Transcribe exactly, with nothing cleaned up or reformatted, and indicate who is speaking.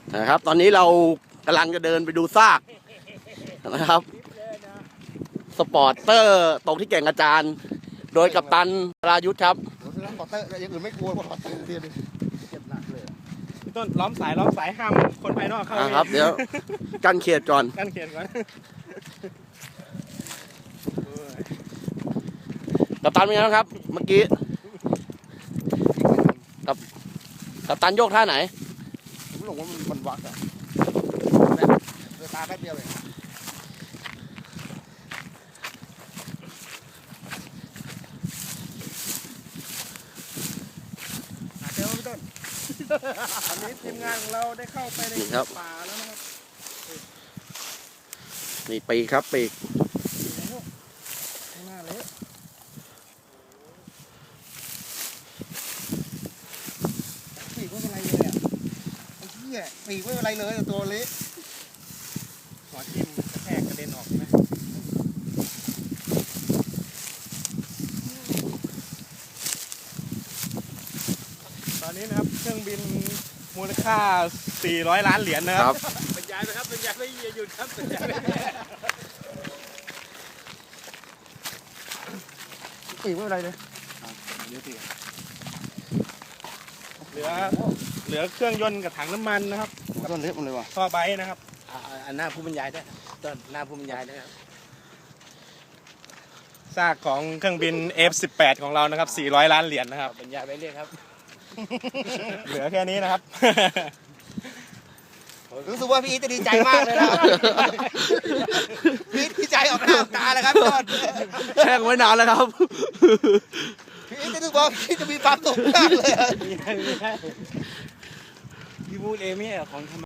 Speaker 1: นะครับตอนนี้เรากำลังจะเดินไปดูซากนะครับสปอร์ตเตอร์ตกที่แก่งกระจานโดยกัปตันรายุทธครับ
Speaker 2: สปอร์ตเตอร์อย่างอื่นไม่กลัวสปอร์ตเตอร์เตี้ยดิเจ็บหนักเลย
Speaker 3: พี่ต้นล้อมสายล้อมสายห้ามคนภายนอกเข้า
Speaker 1: ครับเดี๋ยวกั้นเขตก่อน
Speaker 3: กั้นเขตก่อน
Speaker 1: กัปตันเป็นไงครับเมื่อกี้กับกัปตันโยกท่าไหน
Speaker 2: ผมหลงว่ามันมันวักอะเวลาแป๊บเดียวเลยเจอพี่ต้น
Speaker 3: ตอนนี้ทีมงานของเราได้เข้าไปในป่าแล้วนะครับ
Speaker 1: นี่ปีกครับปีก
Speaker 3: ข้างหน้าเละ
Speaker 2: ปีกไม่เป็นไรเลยอ่ะไอ้เหี้ยปีกไม่เป็นไรเลยแต่ตัวเละ
Speaker 3: หัวทิ่มกระแทกกระเด็นออกใช่ไหมตอนนี้นะครับเครื่องบินมูลค่าสี่ร้อยล้านเหรียญนะครับบรรยายไปครับบรรยายไม่หยุดครับบรรยาย
Speaker 2: ปีกไม่เป็นไรเลย
Speaker 3: เหลือเหลือเครื่องยนต์กับถังน้ำมันนะครับ
Speaker 2: ต้นเละมันเลยว่ะ
Speaker 3: ท่อไบนะครับ
Speaker 2: อันหน้าผู้บรรยายได้ต้นหน้าผู้บรรยายได้ครับ
Speaker 3: ซากของเครื่องบิน เอฟ สิบแปด ของเรานะครับสี่ร้อยล้านเหรียญนะครับ
Speaker 2: บรรยายไปเรื่อยครับ
Speaker 3: เหลือแค่นี้นะครับ
Speaker 2: รู้สึกว่าพี่จะดีใจมากเลยนะพี่ดีใจออกหน้าออกตาเลยครับต้น
Speaker 1: แช่งไว้นานแล้วครับ
Speaker 2: พี่จะรู้ว่าพี่จะมีความสุขมากเลย
Speaker 3: พี่พูดเองไม่ใช่ของ